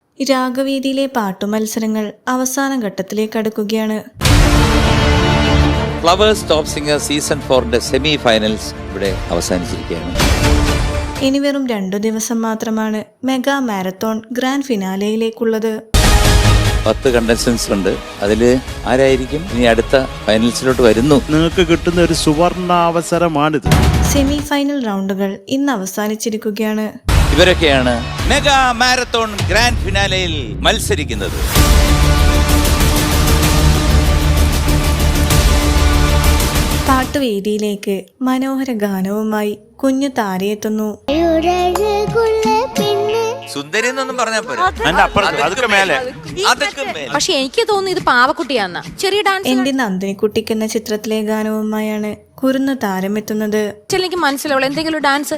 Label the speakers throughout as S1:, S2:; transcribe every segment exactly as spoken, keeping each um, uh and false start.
S1: രാഗവേദിയിലെ പാട്ടുമത്സരങ്ങൾ അവസാന ഘട്ടത്തിലേക്ക് അടുക്കുകയാണ്.
S2: ഫ്ലവേഴ്സ് ടോപ്പ് സിംഗർ സീസൺ ഫോറിന്റെ സെമി ഫൈനൽസ് ഇവിടെ അവസാനിച്ചിരിക്കുകയാണ്.
S1: ഇനി വെറും രണ്ടു ദിവസം മാത്രമാണ് മെഗാ മാരത്തോൺ ഗ്രാൻഡ് ഫിനാലയിലേക്കുള്ളത്.
S2: പത്ത് കണ്ടസ്റ്റൻസ് ഉണ്ട്. അതില് ആരായിരിക്കും ഇനി അടുത്ത ഫൈനൽസിലോട്ട് വരുന്നു?
S3: നിങ്ങൾക്ക് കിട്ടുന്ന ഒരു സുവർണാവസരമാണിത്.
S1: സെമി ഫൈനൽ റൗണ്ടുകൾ ഇന്ന് അവസാനിച്ചിരിക്കുകയാണ്.
S2: ഇവരൊക്കെയാണ് മെഗാ മാരത്തോൺ ഗ്രാൻഡ് ഫിനാലയിൽ മത്സരിക്കുന്നത്.
S1: പാട്ടുവേദിയിലേക്ക് മനോഹര ഗാനവുമായി കുഞ്ഞു താരയെത്തുന്നു.
S2: സുന്ദരി എന്നൊന്നും പറഞ്ഞാൽ പോരാ,
S4: പക്ഷെ എനിക്ക് തോന്നുന്നു ഇത് പാവക്കുട്ടിയാന്ന ചെറിയ ഡാൻസ്.
S1: എന്റെ നന്ദിനിക്കുട്ടിക്ക് എന്ന ചിത്രത്തിലെ ഗാനവുമായാണ് കുരുന്നു താരമെത്തുന്നത്.
S4: എനിക്ക് മനസ്സിലാവുള്ളൂ എന്തെങ്കിലും ഡാൻസ്.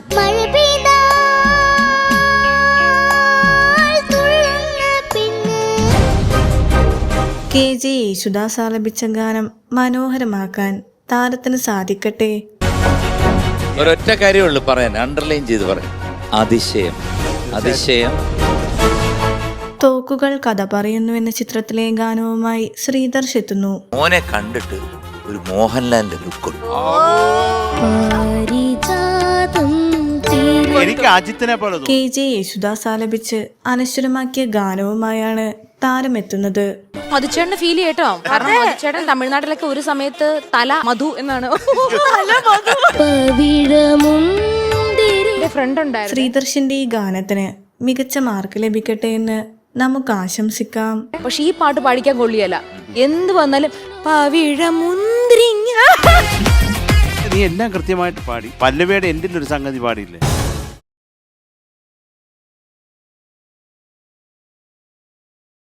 S1: കെ ജെ യേശുദാസ് ആലപിച്ച ഗാനം മനോഹരമാക്കാൻ താരത്തിന് സാധിക്കട്ടെ.
S2: ഒരൊറ്റ കാര്യമുള്ളൂ പറയാൻ, അണ്ടർലൈൻ ചെയ്ത് പറയാം. അതിശയം, അതിശയം.
S1: തോക്കുകൾ കഥ പറയുന്നു എന്ന ചിത്രത്തിലെ ഗാനവുമായി ശ്രീധർഷ് എത്തുന്നു.
S2: മോനെ കണ്ടിട്ട് ഒരു മോഹൻലാലിന്റെ ലുക്കുണ്ട്.
S3: എനിക്ക് അജിത്തിനെ പോലെ
S1: കെ ജെ യേശുദാസ് ആലപിച്ച് അനശ്വരമാക്കിയ ഗാനവുമായാണ് താരമെത്തുന്നത്.
S4: മധുചേട്ടന് ഫീൽ ചെയ്യട്ടോ, കാരണം മധുചേട്ടൻ തമിഴ്നാട്ടിലൊക്കെ ഒരു സമയത്ത് തല മധു എന്നാണ് ഫ്രണ്ട് ഉണ്ടായിരുന്നു.
S1: ശ്രീധർഷിന്റെ ഈ ഗാനത്തിന് മികച്ച മാർക്ക് ലഭിക്കട്ടെ എന്ന് നമുക്ക് ആശംസിക്കാം.
S4: പക്ഷെ ഈ പാട്ട് പാടിക്കാൻ കൊള്ളിയല്ല, എന്ത് വന്നാലും പവിഴമുന്തിരിങ്ങ.
S3: നീ എല്ലാം കൃത്യമായിട്ട് പാടി. പല്ലവിയുടെ എൻ്റെ ഒരു സംഗതി പാടിയില്ലേ?